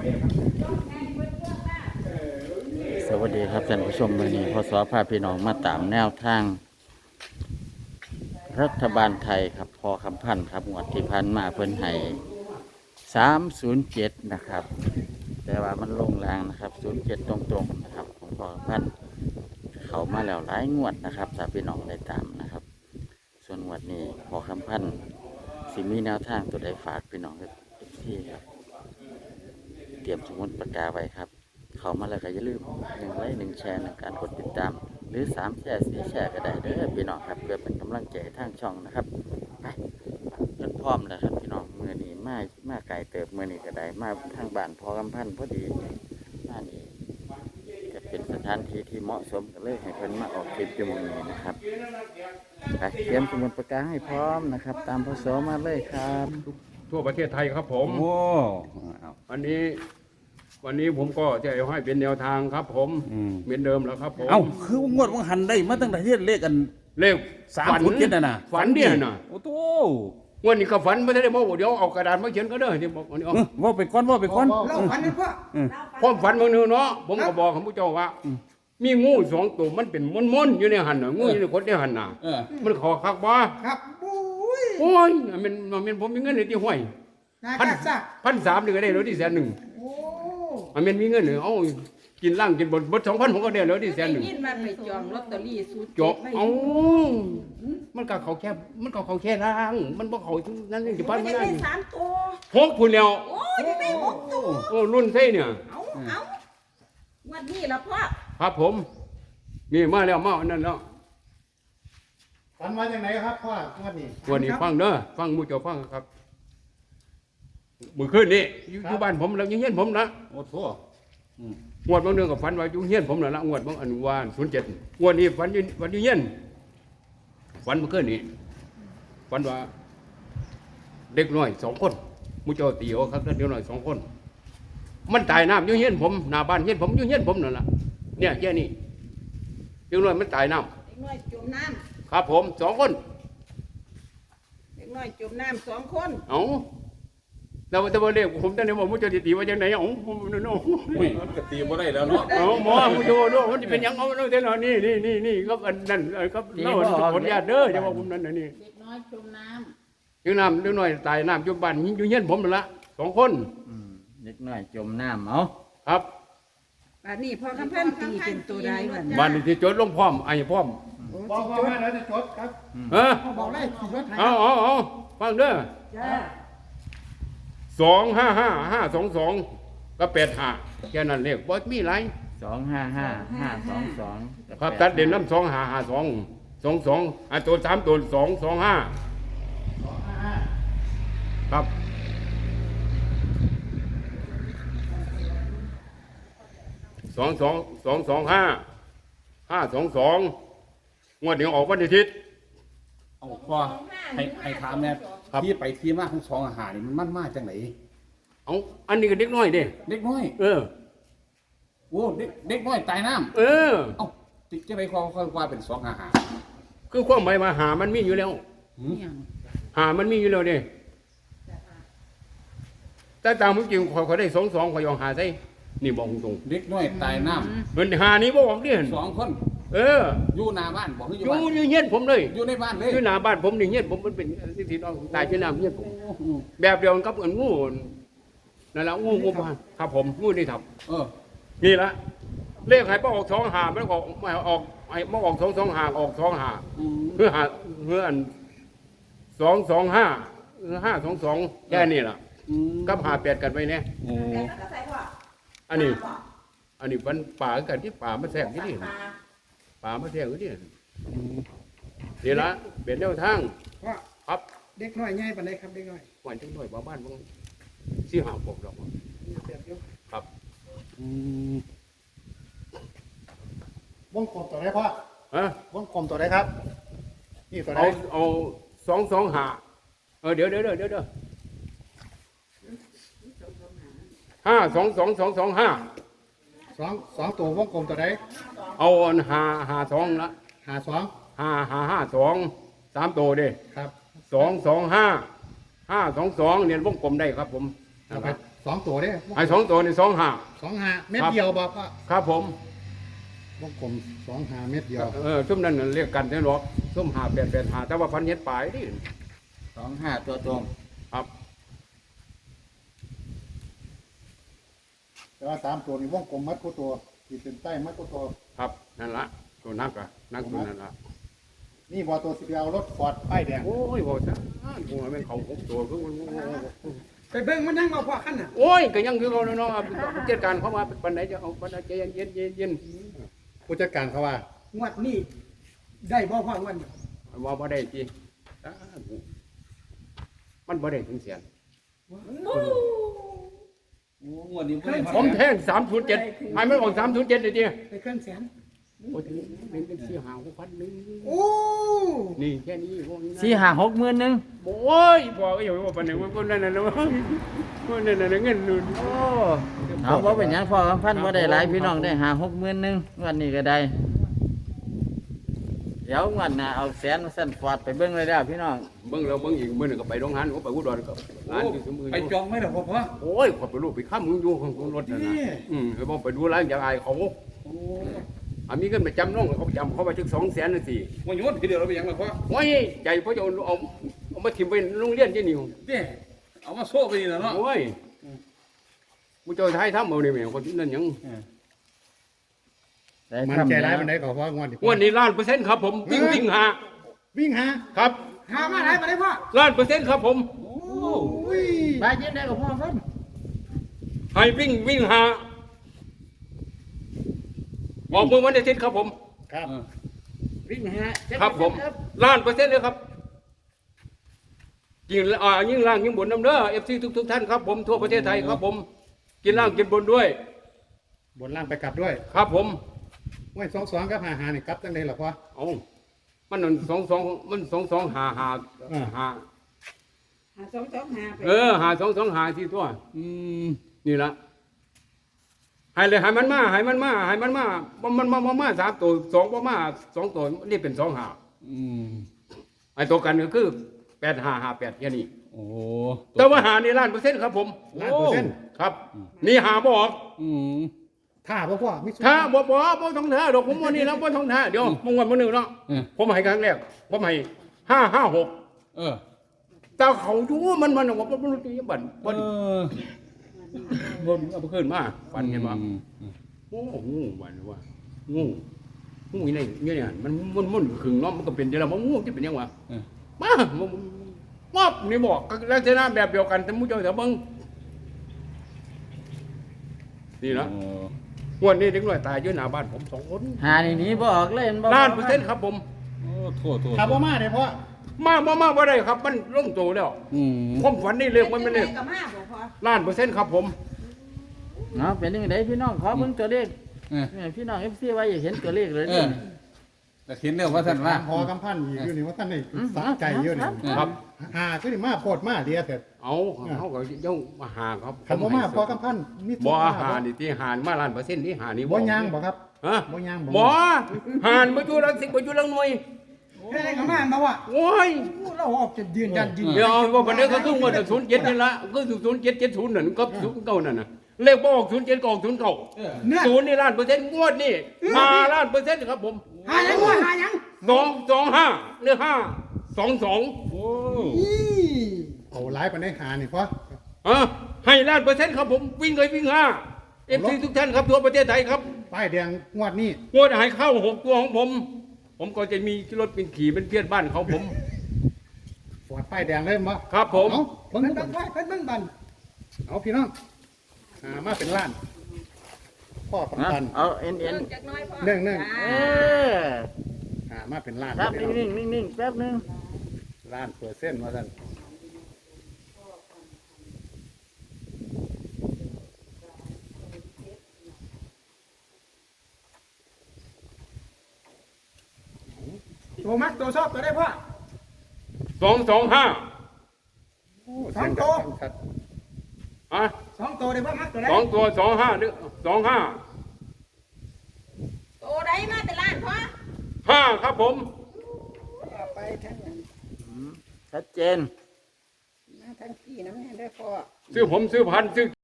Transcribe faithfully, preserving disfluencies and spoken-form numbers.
สวัสดีครับท่านผู้ชมวันนี้พศพาพี่น้องมาตามแนวทางรัฐบาลไทยครับพอคำพันธ์ครับงวดที่พันมาเพิ่นให้สามศูนย์เจ็ดนะครับแต่ว่ามันลงแรงนะครับศูนย์เจ็ดตรงๆนะครับของพอคำพันธ์เขามาแล้วหลายงวดนะครับถ้าพี่น้องได้ตามนะครับส่วนงวดนี้พอคำพันธ์สิมีแนวทางตัวใดฝากพี่น้องที่ครับเตรียมสมุดปากกาไว้ครับเขามาแล้วก็อย่าลืมหนึ่งไลค์หนึ่งแชร์หนึ่งการกดติดตามหรือสามแชร์สี่แชร์ก็ได้เด้อพี่น้องครับเพื่อเป็นกำลังใจทางช่องนะครับไปจนพร้อมแล้วครับพี่น้องมือนี้มามาไก่เติบมือนี้ก็ได้มาทางบ้านพอกำพันพอดีมานี่จะเป็นสถานที่ที่เหมาะสมกันเลยให้เพิ่นมาออกคลิปอยู่มือนี้นะครับไปเตรียมสมุดปากกาให้พร้อมนะครับตามพศมาเลยครับทั่วประเทศไทยครับผมโอ้วันนี้วันนี้ผมก็จะเอาให้เป็นแนวทางครับผมเหมือนเดิมแล้วครับผมเอ้าคืองวดวังหันได้มาตั้งแต่ที่เลขกันเลขสามศูนย์เจ็ดน่ะนะฝันเนี่ยนะโอ้โตวันนี้ก็ฝันไม่ได้บอกเดี๋ยวเอากระดาษมาเขียนก็ได้ที่บอกวันนี้เอาเออว่าไปก้อนว่าไปก้อนเล่าฝันให้พ่อความฝันบางนึงเนาะผมก็บอกกับผู้เจ้าว่า มีงูสองตัวมันเป็นม้วนๆอยู่ในหันน่ะงูอยู่ในคนในหันน่ะเออมันขอคักบ่ครับบุ้ยโอ้ยมันมันผมมีเงินในที่ห้วยนายพันกาซ่าพันสามนี่ก็ได้แล้วที่แสนหนึ่งโอ้มันมีเงินเหรอเอากินล่างกินบดบดสองพันผมก็ได้แล้วที่แสนหนึ่งยินมาไปจองลอตเตอรี่สูตรจบเอามันก็เขาแค่มันก็เขาแค่ร่าง มันบ่เขานั่นนี่จะพันไม่ไม่ได้ได้สามตัวหกพุ่นแล้วโอ้ยได้หกตัวโอ้รุ่นไส้เนี่ยเอาเอาวันนี้ละพ่อครับผม นี่มาแล้วมาอันนั้นแล้วฝันมาจากไหนครับพ่อวันนี้วันนี้ฟังเด้อฟังหมู่เจ้าฟังครับมื้อคืนนี้อยู่อยู่บ้านผมแล้วอยู่เฮียนผมนะโอ้โตงวดบางเดือนก็ฝันว่าอยู่เฮียนผมนั่นละงวดบางอนุวานศูนย์เจ็ดงวดนี้ฝันอยู่ฝันอยู่เฮียนฝันเมื่อคืนนี้ฝันว่า เด็กน้อยสองคนหมู่เจ้าตีเอาครับเด็กน้อยสองคน มันตายน้ำอยู่เฮียนผมหน้าบ้านเฮียนผมอยู่เฮียนผมนั่นล่ะเนี่ยแค่นี้เด็กน้อยมันตายน้เด็กน้อยจมน้ำครับผมสองคนำเด็กน้อยจมน้ำสองคนเอาแต่ว่าแต่ว่าเรียกผมตั้งแต่ว่าหมู่เจ้าตีว่าจังไหนเอาผมนั่นเอาอุ้ยมันก็ตีบ่ได้แล้วเนาะเอาหมอหมู่เจ้าดูมันจะเป็นหยังเอาเอาเท่านั้นนี่นี่นี่นี่ครับอันนั้นครับเล่าขออนุญาตเด้อจะว่าผมนั่นน่ะนี่เด็กน้อยจมน้อยู่น้ำเด็กน้อยตายน้ำอยู่บ้านอยู่เฮียนผมนั่นละสองคนอืมเล็กน้อยจมน้ำเอาครับำอันนี้พ่อคำพันตีเป็นตัวใดวันบ้านที่จดลงพร้อมไอ้พร้อมบอกว่ามาแล้วจะจดครับเออพ่อบอกได้ขี่รถไถเอาเอาเอาฟังเด้อจ้าสองห้าห้าห้าสองสองก็แปดห้าแค่นั้นเรียกบ่มีไรสองห้าห้าห้าสองสองครับตัดเด่นน้ำสองห้าห้าสองสองสองอ่ะตัวสามตัวสองสองห้าครับสองสองสองสองห้าห้าสองสองงวดเดี๋ยวออกวันอาทิตย์เอาพ่อให้ให้ถามแน่ครับที่ไปที่มาของสองอาหารนี่มันมันมาจากไหนเอาอันนี้ก็เด็กน้อยเด้เด็กน้อยเออโอ้เด็กเด็กน้อยตายน้เออำเอ้าจิจะไปคอคอยว่าเป็นสองอาหารคือความหมายว่าหามันมีอยู่แล้วเนี่ยหามันมีอยู่แล้วเด้แต่ตามจริงขอยขอยได้สองสองขอยยองหาใส่นี่บอกตรงเด็กน้อยตายน้ๆมันหานี้บ่บอกเด้ำสองคนเอออยู่หน้าบ้านบอกให้ออยู่ ยู่บ้านอยู่เฮียนผมเลยอยู่ในบ้านเลยอยู่หน้าบ้านผมนี่เฮียนผมมันเป็นที่น้องตายที่น้ำเฮียนผมโอ้โหแบบเดียวกันกับอันงูนั่นแหละงูงูบ้านครับผมงูนี่ทับเออนี่ละเลขให้ป้าออกสองหาไม่ออกไม่ออกไอ้มาออกสองสองหาออกสองหาอืมเพื่อหาเพื่ออันสองสองห้าห้าสองสองแค่นี้ล่ะอืมกับหาแปดกันไปเนี่ยโอ้อันนี้ อันนี้มันป่ากันที่ป่ามาแทรกที่นี่ป่ามาแทรกที่นี่นี่ละเป็นแนวทางพ่อครับเด็กน้อยใหญ่ปานใดครับเด็กน้อยวันจังหน่อยบ้านบ้านสี่หาปกดอกเปรียบอยู่ครับอืมวงกลมตัวไหนพ่อฮะวงกลมตัวไหนครับ นี่ตัวไหนเอาเอาสองสองหาเออเดี๋ยวเดี๋ยวเดี๋ยวเดี๋ยวห้าสองสองสองสองห้าสองสองตัววงกลมตัวไหนเอาอันหาหาสองละหาสองห้าห้าห้าสองสามตัวเด้ครับสองสองห้าห้าสองสองเนี่ยวงกลมได้ครับผมเอาไปสสองตัวเด้ให้สองตัวนี่สองห้าสองหาเม็ดเดียวบอกว่าครับผมวงกลมสองหาเม็ดเดียวเออซุ่มนั้นน่ะเรียกกันได้หรอกซุ่มหาแปดแปดหาแต่ว่าพันเฮ็ดปลายนี่สองห้าตัวตรงครับแต่ว่าสามตัวนี่วงกลมมัดกูตัวขีดเส้นใต้มัดกูตัวครับนั่นละตัวนักอะนักตัวนั่นละนี่บอตัวสิบเอารถฟอร์ดป้ายแดงโอ้ยบ่ซะกูว่ามันเขาหกตัวคือมันไปเบิ่งมันนั่งมาพอขั้นน่ะโอ้ยก็ยังคือเขาเนาะผู้จัดการเขามาปันไหนจะเอาปันไหนใจเย็นเย็นเย็นเย็นผู้จัดการเขาว่างวดนี้ได้บ่พองวดนี้ว่าบ่ได้จีมันบ่ได้ถึงแสนโอ้งวดนี้บ่ได้ผมแทงสามศูนย์เจ็ดให้มันออกสามศูนย์เจ็ดเลยจีไปเครื่องแสนโอ้ยเป็นเป็นสี่ห้าหกพันหนึ่งโอ้นี่แค่นี้พวกนี้สี่ห้าหกหมื่นหนึ่งโอ้ยบอกก็อย่าว่าปันไหนว่าคนนั้นน่ะนะว่านั่นน่ะเงินนู่นโอ้เอาบ่เป็นหยังพ่อคำพันธุ์บ่ได้หลายพี่น้องได้หาหกหมื่นหนึ่งวันนี้ก็ได้ เดี๋ยววันหน้าเอาแสนสั้นฟอดไปเบิ่งเลยแล้วพี่น้องเบิ่งแล้วเบิ่งอีกมื้อนึงก็ไปโรงงานก็ไปอุดรก็ร้านอยู่ซุมือไปจองไม่ได้พ่อพ่อโอ้ยขอไปรูปไปค้ำมึงอยู่ของรถนั่นน่ะอืมไปบ่ไปดูร้านอย่างอายเขาอันนี้ก็ไปจำน้องเขาจำเขาไปถึงสองแสนน่ะสิวันโยนทีเดียวเราไปยังไงพ่อโอ้ยใจพ่อจะเอาเอาเอามาถิ่มไปโรงเรียนที่นี่เนี่ยเอามาโซ่ไปนี่นะเนาะโอ้ยกูเจะไทยทำเอานี่แม่คนนั้นหยังได้มันคำใจแล้ร้ายว มันได้ก็ว่างวดนี้วันนี้ล้านเปอร์เซ็นต์ครับผมวิ่งวิ่งหาวิ่งหาครับหามาได้มาได้พ่อล้านเปอร์เซ็นต์ครับผมโอ้อุ้ยไปยินได้กับพ่อเพิ่นให้วิ่งวิ่งหาบอกเมื่อวันอาทิตย์ครับผมครับวิ่งหาครับผมล้านเปอร์เซ็นต์เลยครับยิ่งอ่ายิ่งล่างยิ่งบนน้ำเด้อเอฟซีทุกทุกๆท่านครับผมทั่วประเทศไทยครับผมกินล่างกินบนด้วยบนล่างไปกลับด้วยครับผมห้วยสองสองกับหาหานี่กลับจังไดล่ะพ่อเอามันนั่นสองสองมันสองสองหาหาอ่าหาหาสองสองหาไปเออหาสองสองหาที่ตัวอืมนี่ละให้เลยให้มันมาให้มันมาให้มันมามันมันมามามาสามตัวสองมามาสองตัวนี่เป็นสองหาอืมไอ้ตัวกันก็คือแปดหาหาแปดแค่นี้โอ้แต่ว่าหานี่ล้านเปอร์เซ็นต์ครับผมล้านเปอร์เซ็นต์ครับ นี่หาบออกอืมท่าพ่อพ่อมิถ้าบ่บ่บ่ต้องท่าดอกผมวันนี้แล้วบ่ต้องท่าเดี๋ยวมึงวันมื้อนึงเนาะเออผมให้ครั้งแรกผมให้ห้าห้าหกเออแต่เขาอยู่มันมันว่าบ่รู้จักบัดเอบ่อบ่เอาไปขึ้นมาฟันเห็นบ่อืมโอ้งูวันว่างูงูนี่นี่เนี่ยมันมันมันขึงเนาะมันก็เป็นจังได๋บ่งูจะเป็นยังวะเออมามานี่บอกลักษณะแบบเดียวกันแต่มู้เจ้าเถอะเบิ่งนี่นะโอ้งวดนี้เด็กน้อยตายอยู่หน้าบ้านผมสองคนหานี่หนีบ่ออกเลยเห็นบ่ล้านเปอร์เซ็นต์ครับผมโอ้โทษโทษถ้าพ่อมาเนี่ยพ่อมามามาบ่ได้ครับ มันลงโตแล้วอืมผมฝันนี่เลยมันไม่เลยก็มาบ่พอล้านเปอร์เซ็นต์ครับผมเนาะเป็นยังไงพี่น้องขอเบิ่งตัวเลขเออเนี่ยพี่น้อง เอฟ ซี ว่าอยากเห็นตัวเลขเลยเอนี่อแต่เห็นเนี่ยว่าท่านว่าพอกำพันอีกอยู่นี่ว่าท่านนี่สะใจเยอะนี่ครับหาคือนี่มาโพดมาเดียเถิดเอาเขาก็ย่องมาหาครับคันบ่มาพอกำพันมีบ่หานี่ที่หารมาล้านเปอร์เซ็นต์นี่หานี่บ่ย่างบ่ครับฮะบ่ย่างบ่บ่หารบ่อยู่รังสิบ่อยู่รังหน่วยแค่ไหนก็มามาว่ะโอ้ยเราออกจะยืนยันยืนเดี๋ยวว่าบันนี้ก็คือว่าศูนย์เจ็ดนี่ละก็คือศูนย์เจ็ดเจ็ดศูนย์นั่นก็ศูนย์เก้านั่นน่ะเลขบ่ออกศูนย์เจ็ดก็ออกศูนย์เก้าเออเนี่ยศูนย์นี่ล้านเปอร์เซ็นต์งวดนี่มาล้านเปอร์เซ็นต์ครับผมหายังวะหายังสองสองห้าหรือห้าสองสองโอ้อีเอาหลายปานได้หานี่พ่ออ่ะให้ล้านเปอร์เซ็นต์ครับผมวิ่งเลยวิ่งห้าเอฟซีทุกท่านครับทั่วประเทศไทยครับป้ายแดงงวดนี้งวดหายเข้าหกตัวของผม ผมก็จะมีรถเป็นขี่เป็นเพี้ยนบ้านเขาผมฟอดป้ายแดงเลยบ่ครับผมเอาเพิ่งเพิ่นดูเบิ่งไว้เพิ่นเบิ่งบันเอาพี่น้องหามาเป็นล้าน พ่อนะกำพันเอาเอ็นเอ็นจักน้อยพอหนึ่งหนึ่งเออหามาเป็นล้านครับพี่น้องนิ่งๆนิ่งๆแป๊บนึงล้านเปอร์เซ็นต์ว่าท่านตัวมักตัวชอบตัวได้พ่อสองสองห้าสองตัวชัดอ่ะสองตัวได้พ่อมักตัวได้สองตัวสองห้าหรือสองห้าโตได้มาแต่ล้านพอห้าครับผมเอาไปทั้งนั้นชัดเจนมาทั้งพี่น้ำแม่ได้พอซื้อผมซื้อพันซื้อ